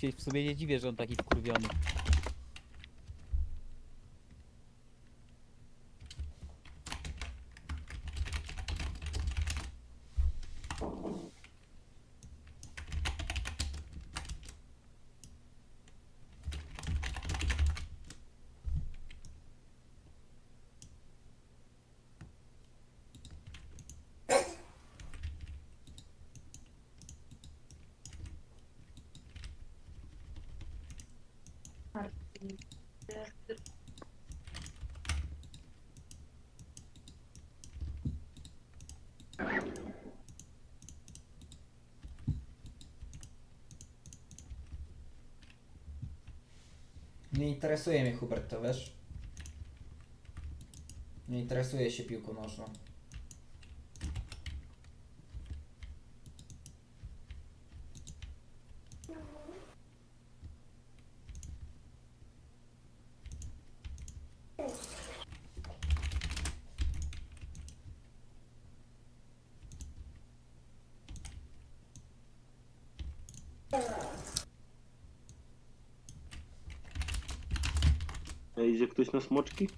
się w sumie nie dziwię, że on taki wkurwiony. Nie interesuje mnie Hubert, to wiesz? Nie interesuje się piłką nożną. A idzie ktoś na smoczki?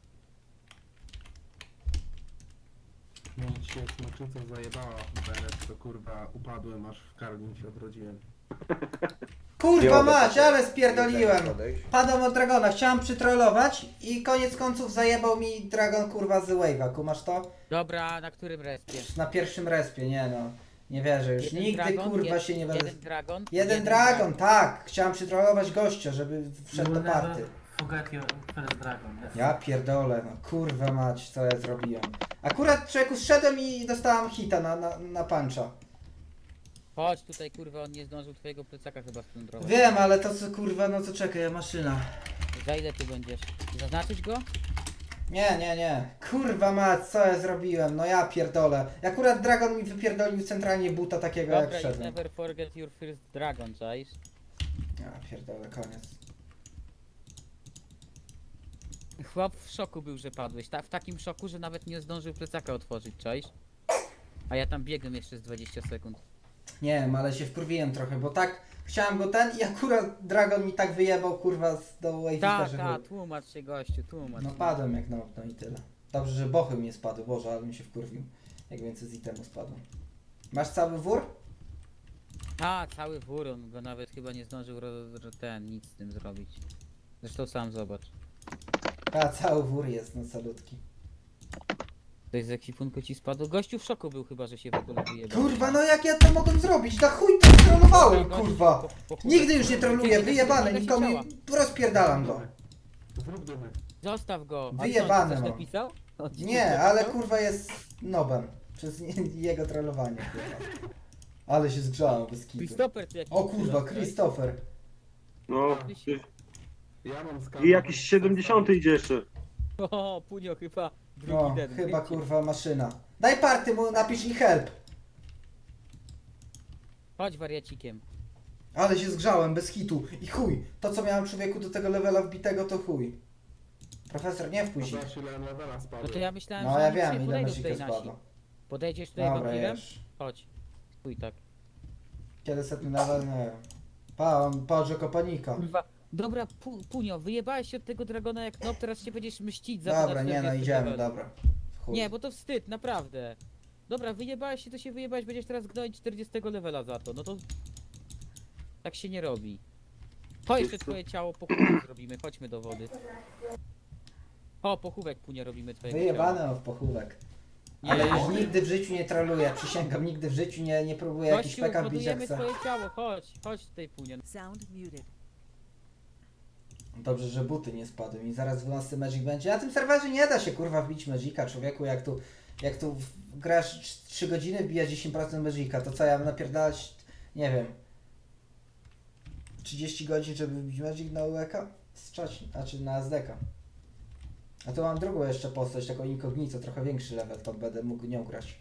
No dzisiaj smoczyca zajebała beret, to kurwa upadłem, aż w karmię się odrodziłem. Kurwa mać, ale spierdoliłem! Padłem od Dragona, chciałem przytrollować i koniec końców zajebał mi Dragon kurwa z Wave'a, kumasz to? Dobra, na którym respie? Na pierwszym respie, nie no. Nie wierzę już, Jeden nigdy dragon, kurwa się nie będę... Jeden dragon? Jeden Dragon, tak! Chciałem przytrollować gościa, żeby wszedł do party. Forget your first dragon. Yes. Ja pierdolę, no kurwa mać, co ja zrobiłem. Akurat człowieku zszedłem i dostałem hita na puncha. Chodź tutaj, kurwa, on nie zdążył twojego plecaka chyba splądrować. Wiem, ale to co kurwa, no co czekaj, maszyna. Za ile ty będziesz? Zaznaczyć go? Nie. Kurwa mać, co ja zrobiłem? No ja pierdolę. Akurat Dragon mi wypierdolił centralnie buta takiego Dobra, jak you szedłem. never forget your first dragon, czaisz? Ja pierdolę, koniec. Chłop w szoku był, że padłeś. W takim szoku, że nawet nie zdążył plecaka otworzyć, czaisz? A ja tam biegłem jeszcze z 20 sekund. Nie wiem, ale się wkurwiłem trochę, bo tak chciałem go ten i akurat Dragon mi tak wyjebał kurwa do Wavita, że Tłumacz się gościu, tłumacz. no padłem jak no i tyle. Dobrze, że bochy mnie spadły, Boże, ale mi się wkurwił. Jak więcej z itemu spadło. Masz cały wór? Cały wór, on go nawet chyba nie zdążył nic z tym zrobić. Zresztą sam zobacz. A, cały wór jest, no salutki. Coś z ekwipunku ci spadło? Gościu w szoku był chyba, że się w ogóle wyjebał. Kurwa, no jak ja to mogłem zrobić? Na chuj to trollowałem, Gościu, kurwa! Nigdy już nie troluję, wyjebane, nikomu rozpierdalam go. Zrób dymy. Zostaw go! A Wyjebane co, on ci coś mam. napisał? On ci coś Nie, napisał? ale kurwa jest nobem. Przez jego trollowanie, kurwa. Ale się zgrzałem bez kitu. Christopher tu jakiś O kurwa, przylot, Christopher. No. Ja mam skarb. I jakiś 70 idzie jeszcze. O, Punio chyba drugi No, ten. chyba wiecie. kurwa maszyna. Daj party mu, napisz i help. Chodź wariacikiem. Ale się zgrzałem bez hitu. I chuj, to co miałem człowieku do tego levela wbitego to chuj. Profesor, nie wpuść ich. Zobacz ile levela No spadłem. to ja myślałem, No że ja oni dzisiaj wiem, ile podejdą mesika tutaj nasi. spadło. Podejdziesz tutaj Dobra, wampirem? już. Chodź. Chuj tak. Kiedy setny level, nie wiem. Pa, on podrzekł kopanika. Kurwa. Dobra, Punio, wyjebałeś się od tego dragona jak no, teraz się będziesz mścić za to Dobra, na nie no, 40 idziemy, level. dobra. Chuj. Nie, bo to wstyd, naprawdę. Dobra, wyjebałeś się, to się wyjebałeś, będziesz teraz gnoić 40 levela za to, no to... Tak się nie robi. To jeszcze twoje ciało pochówek zrobimy, chodźmy do wody. O, pochówek Punia robimy twojego ciała. Wyjebane w pochówek. Nie. Ale już nigdy w życiu nie troluję, przysięgam, nigdy w życiu nie próbuję jakiś Gościu, peka wbić jak budujemy chcę. twoje ciało, chodź tutaj Punia. Sound muted. Dobrze, że buty nie spadły i zaraz 12 Magic będzie. Na tym serwerze nie da się kurwa wbić Magica, człowieku, jak tu grasz 3 godziny, wbija 10% Magica, to co ja mam napierdalać, nie wiem, 30 godzin, żeby wbić Magic na UEK? Znaczy na SDK. A tu mam drugą jeszcze postać, taką incognito, trochę większy level, to będę mógł nią grać.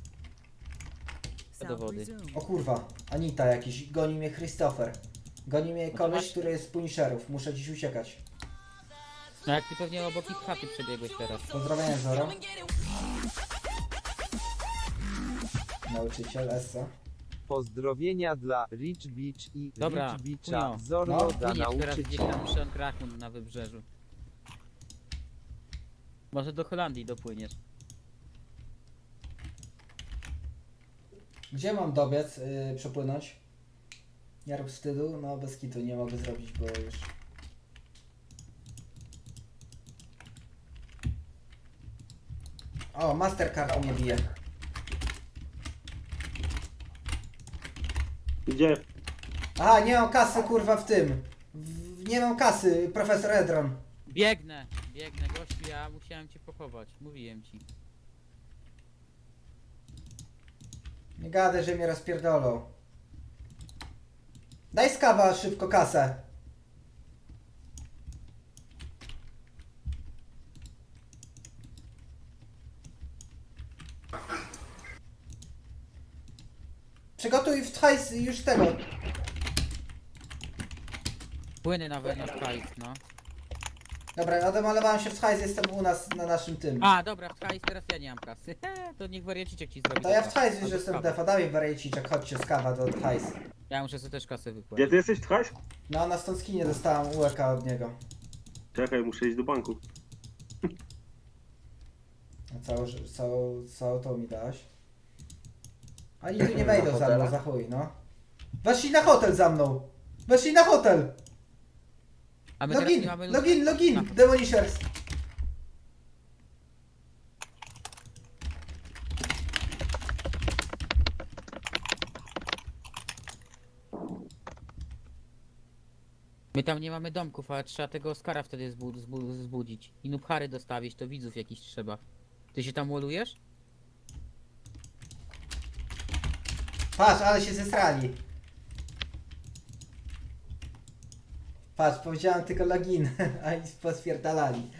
Do Sound wody. resumed. O kurwa, Anita jakiś, goni mnie Christopher. Goni mnie to koleś, masz- który jest z Punisherów, muszę dziś uciekać. No jak ty pewnie obok ich chaty przebiegłeś teraz. Pozdrowienia Zoro. Nauczyciel Essa. Pozdrowienia dla Rich Beach i Dobra, Rich Beacha. Kunio. Zorro No. da Płyniesz teraz gdzieś nauczyciel. tam przy Ankrakun na wybrzeżu. Może do Holandii dopłyniesz. Gdzie mam dobiec, przepłynąć? Nie rób wstydu, no bez kitu nie mogę zrobić, bo już... O, Mastercard mnie bije. Gdzie? Aha, nie mam kasy kurwa w tym. Nie mam kasy, profesor Edron. Biegnę, gościu, ja musiałem cię pochować, mówiłem ci. Nie gadaj, że mnie rozpierdolą. Daj skawa szybko kasę. Przygotuj w hajs już tego. Płynę nawet na hajs, no. Dobra, odmalowałem się w hajs, jestem u nas na naszym tym. A, dobra, w hajs teraz ja nie mam kasy. To niech wariaciczek ci zrobi. To ja w dobra. hajs już Albo jestem skawa. defa, dawaj wariaciczek, chodźcie z kawa do hajs. Ja muszę sobie też kasę Gdzie wypłacić. ty jesteś, Tchaś? No, na stąd skinie dostałem UEK od niego. Czekaj, muszę iść do banku. A co to mi dałaś? Ani tu nie wejdą za mną, za chuj, no. Weszli na hotel za mną! Weszli na hotel! A my teraz Login, nie mamy login, Demonishers! My tam nie mamy domków, ale trzeba tego Oscara wtedy zbudzić. I Nubhary dostawić, to widzów jakiś trzeba. Ty się tam łolujesz? Patrz, ale się zesrali. Patrz, powiedziałem tylko login, a i pospierdalali.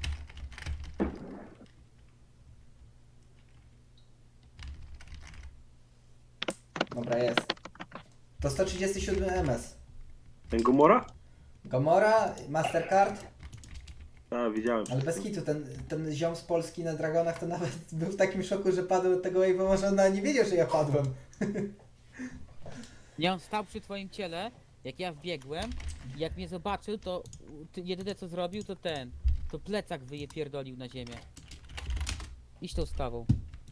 Dobra, jest. To 137 MS. Ten Gomora? Gomora, Mastercard, Tak, widziałem. ale bez kitu, ten ziom z Polski na Dragonach to nawet był w takim szoku, że padł od tego wave'a, może on nawet nie wiedział, że ja padłem. Nie, on stał przy twoim ciele, jak ja wbiegłem, i jak mnie zobaczył, to jedyne co zrobił to plecak wyjepierdolił na ziemię. Idź tą skawą.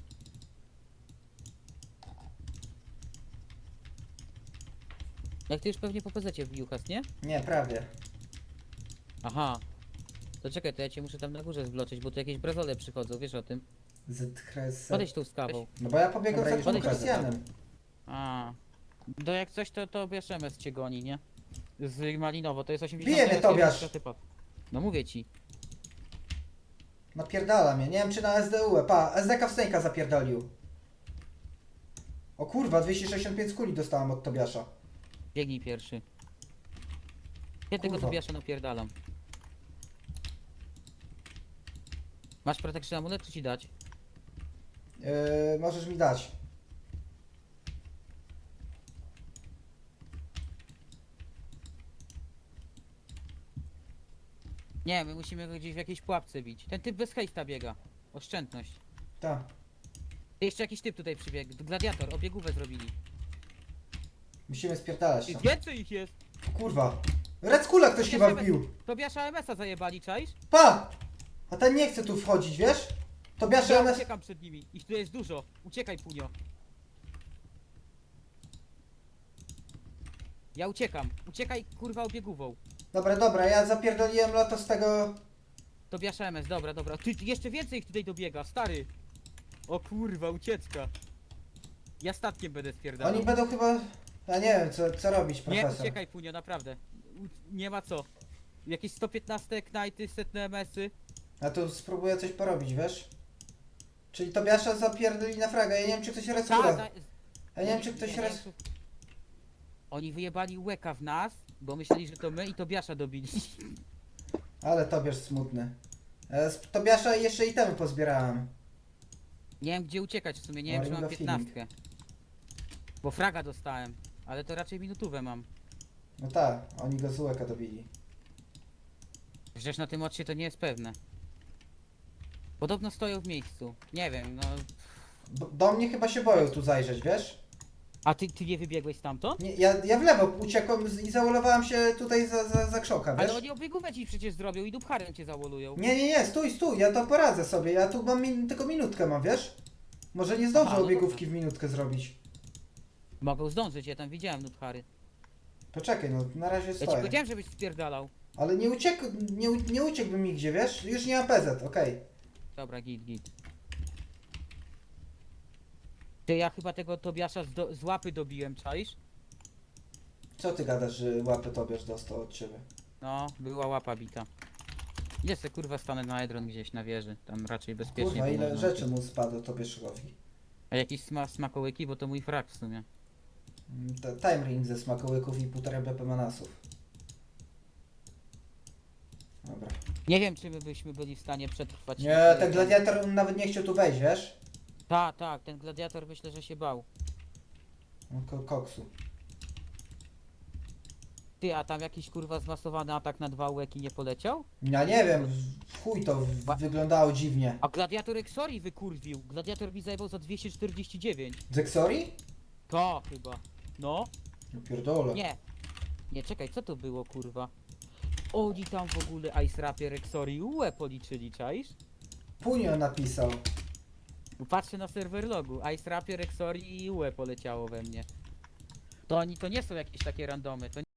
Jak ty już pewnie po PZ-cie wbił has, nie? Nie, prawie. Aha. To czekaj, to ja cię muszę tam na górze zwloczyć, bo tu jakieś brazole przychodzą, wiesz o tym. Podejdź tą skawą. No bo ja pobiegłem Dobra, za tym podejdź do Krystianem. A. To jak coś to bierz MS cię goni, nie? Z Malinowo, to jest 80. Bije mnie Tobiasz. No mówię ci. Napierdala mnie, nie wiem czy na SDU, pa, SDK w Snake'a zapierdolił. O kurwa, 265 kuli dostałem od Tobiasza. Biegnij pierwszy. Ja tego Kurwa. Tobiasza napierdalam. Masz protection amulet, czy ci dać? Możesz mi dać. Nie, my musimy go gdzieś w jakiejś pułapce bić. Ten typ bez hejsta biega. Oszczędność. Tak. Jeszcze jakiś typ tutaj przybiegł. Gladiator, obiegówę zrobili. Musimy spierdalać I tam. więcej ich jest! Kurwa. Red Kula ktoś chyba wbił. Tobiasza MS-a zajebali, czaisz? Pa! A ten nie chce tu wchodzić, wiesz? Tobiasza Ja MS... uciekam przed nimi. Ich tu jest dużo. Uciekaj, Punio. Ja uciekam. Uciekaj, kurwa, obiegówą. Dobra, ja zapierdoliłem loto z tego... Tobiasza MS, dobra. Ty, jeszcze więcej ich tutaj dobiega, stary. O kurwa, ucieczka. Ja statkiem będę spierdalał. Oni będą chyba... Ja nie wiem co robić, Nie, profesor. uciekaj, Punio, naprawdę. Nie ma co. Jakieś 115 knajty, setne MS-y. Ja tu spróbuję coś porobić, wiesz? Czyli Tobiasza zapierdoli na fraga, ja nie wiem czy ktoś Red Ta, Kula... za- Ja nie wiem czy ktoś ja nie Red... wiem, czy- Oni wyjebali łeka w nas, bo myśleli, że to my i Tobiasza dobili. Ale Tobiasz smutny. Z Tobiasza jeszcze itemy pozbierałem. Nie wiem gdzie uciekać w sumie, nie O, wiem czy mam Ring of Healing. 15. Bo fraga dostałem, ale to raczej minutówę mam. No tak, oni go z łeka dobili. Przecież na tym odcie to nie jest pewne. Podobno stoją w miejscu. Nie wiem, no... Do mnie chyba się boją tu zajrzeć, wiesz? A ty nie wybiegłeś stamtąd? Nie, ja w lewo uciekłem i załolowałem się tutaj za krzoka, wiesz? Ale oni obiegówę ci przecież zrobią i dupharem cię zawolują. Nie, stój, ja to poradzę sobie, ja tu mam tylko minutkę mam, wiesz? Może nie zdążę Aha, no obiegówki w minutkę zrobić. Mogą zdążyć, ja tam widziałem dupchary. Poczekaj, no na razie Ja ci stoję. powiedziałem, żebyś spierdalał. Ale nie uciekłbym nigdzie, wiesz? Już nie ma PZ, okej. Dobra, git. Ty, ja chyba tego Tobiasza z łapy dobiłem, czaisz? Co ty gadasz, że łapę Tobiasz dostał od ciebie? No, była łapa bita. Gdzie se kurwa stanę na Edron gdzieś na wieży, tam raczej bezpiecznie. Kurwa, bo ile można rzeczy uciec. mu spadło Tobiaszowi. A jakieś smakołyki, bo to mój frak w sumie. Time ring ze smakołyków i 1,5 BP manasów. Dobra. Nie wiem, czy my byśmy byli w stanie przetrwać. Nie, ten gladiator nawet nie chciał tu wejść, wiesz? Tak, ten gladiator myślę, że się bał. No, koksu. Ty, a tam jakiś kurwa zmasowany atak na 2 łeki nie poleciał? Ja nie wiem, w chuj to wyglądało dziwnie. A gladiator Exori wykurwił. Gladiator mi zajebał za 249. Zexori? To chyba. No. No pierdolę. Nie, czekaj, co to było kurwa? Oni tam w ogóle Ice Rapier Exori UE policzyli, czaisz? Punio napisał. Patrzę na serwer logu. Ice Rapier Exori i UE poleciało we mnie. To oni to nie są jakieś takie randomy. To